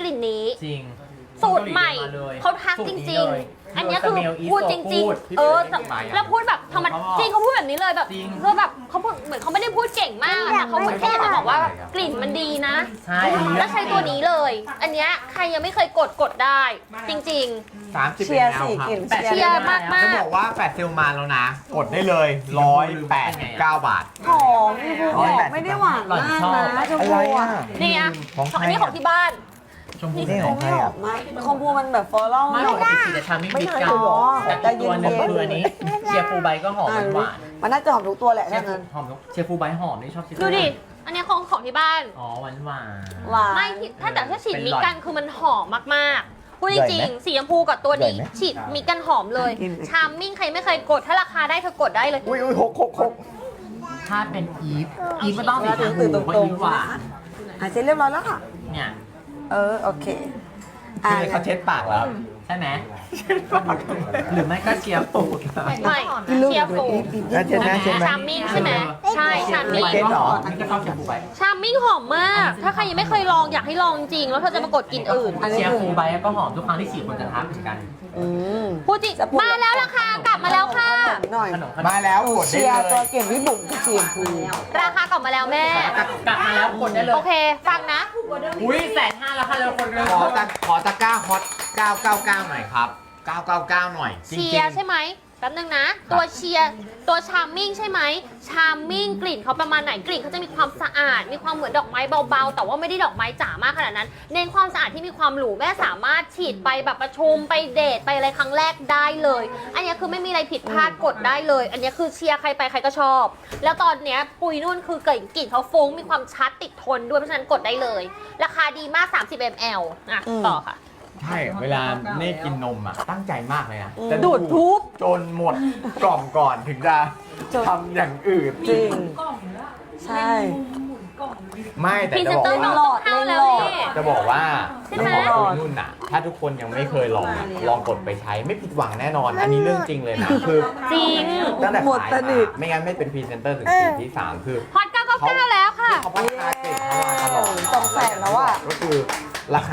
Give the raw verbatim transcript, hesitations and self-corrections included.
ลิ่นนี้จริงสูตรใหม่เขาทักจริงๆ อันนี้คือพูดจริงๆ เออแล้วพูดแบบธรรมดาจริงเขาพูดแบบนี้เลยแบบคือแบบเขาพูดเหมือนเขาไม่ได้พูดเก่งมากแต่เขาเหมือนแค่จะบอกว่ากลิ่นมันดีนะใช่แล้วใช้ตัวนี้เลย อันเนี้ยใครยังไม่เคยกดกดได้ จริงสามสิบเชียร์สี่กลิ่นเชียร์มากจะบอกว่าแฟดเซลมาแล้วนะ กดได้เลยร้อยแปดสิบเก้าบาทหอมพี่พูหอมไม่ได้หวานมากนะชมอะไรพูอ่ะอ่ะๆ นี่อ่ะของใครอันนี้ของที่บ้านชมพูนี่ของใครไม่หออ่ะมมากชมพูมันแบบฟลอรัลไม่หปน่อยกติสีจะชาไม่ไม่บิดใช่กันหรอแต่อีกตัวหนึงคืออันนี้เชียร์ฟูลไบก็หอมหวานมันน่าจะหอมทุกตัวแหละเชียถ้าร์ฟูงั้นหอมเชียร์ฟูลไบหอมนี่ชอบเชียร์ดูดิ อันนี้ของของที่บ้านอ๋อหวานหวานหวานไม่ที่ถ้าแต่ถ้าฉีดเป็นมิหลอดกันคือมันหอมมากๆ พูดจใหญ่ริงไหมๆสีชมพูกับตัวนี้ใหญ่ไหมฉีดมิกันหอมเลย ชามมิ่งใครไม่เคยกด ถ้าราคาได้เธอกดได้เลยอุ้ยอุ้ยหกหกหกถ้าเป็นอีฟอีฟก็ต้องสีชมพูเพราะอีฟหวานอ่ะเสร็จเรียบร้อยแล้วค่ะเนี่ยเออโอเคอ่ะคือเขาเช็ดปากแล้วใช่ไหมหรือไม่ก็เชียร์ฟูลไม่เชียร์ฟูแล้วเช็ดหน้าเช็ดไหมชามมิ่งใช่ไหมใช่ชามมิ่งไบก็หอมมันก็ชอบเชียร์ฟูลไบชามมิ่งหอมมาก ถ้าใครยังไม่เคยลองอยากให้ลองจริง แล้วเธอจะมากดกลินอื่นเชียร์ฟูลไบก็หอมทุกครั้งที่ฉีดคนจะทักเหมือนกันอืมพูดจริงมาแล้วราคากลับมาแล้วค่ะหน่อยขนมขนมมาแล้วหนูกดได้เชียร์เลตัวย เก่งพี่บุ๋มกับเชียร์พูราคากลับมาแล้วแม่กลับมาแล้วกดได้เลยโอเคฟังนะอุ้ยแสนห้าแล้วค่ะเร็วคนเร็วขอตะขอตะกร้าฮอตเก้าเก้าเก้าหน่อยครับเก้าเก้าเก้าหน่อยจริงเชีๆยร์ใช่ไหมแป๊บนึงนะ ตัวเชียร์ตัวชาร์มมิ่งใช่ไหมชาร์มมิ่งกลิ่นเขาประมาณไหนกลิ่นเขาจะมีความสะอาด มีความเหมือนดอกไม้เบาๆ แต่ว่าไม่ได้ดอกไม้จ๋ามากขนาดนั้น เน้นความสะอาดที่มีความหรูแม่สามารถฉีดไปแบบประชุมไปเดทไปอะไรครั้งแรกได้เลย อันนี้คือไม่มีอะไรผิดพลาดกดได้เลย อันนี้คือเชียร์ใครไปใครก็ชอบ แล้วตอนเนี้ยปุยนุ่นคือกลิ่นกลิ่นเขาฟุ้งมีความชัดติดทนด้วยเพราะฉะนั้นกดได้เลย ราคาดีมาก สามสิบมิลลิลิตร อ่ะต่อค่ะใช่ เวลาเน่กินนมอ่ะ ตั้งใจมากเลยนะจะดูดทุบจนหมดกล่องก่อนถึงจะทำอย่างอื่นจริงใช่ไม่แต่พรีจะเซนบอกเตอร์ว่าน้องต้องเข้าแล้วนี่จะบอกว่าใช่ไหมน้องของนุ่นอ่ะ ถ้าทุกคนยังไม่เคยลองอะลองกดไปใช้ไม่ผิดหวังแน่นอน อันนี้เรื่องจริงเลยนะ คือจริงตั้งแต่หมดขายสนิทมาไม่งั้นไม่เป็นพรีเซนเตอร์ถึงปีที่สามคือฮอตเก้าเก้าเก้าแล้วค่ะเขาพัฒนาเก่งเขามาตลอดสองแสนแล้วอะก็คือราคา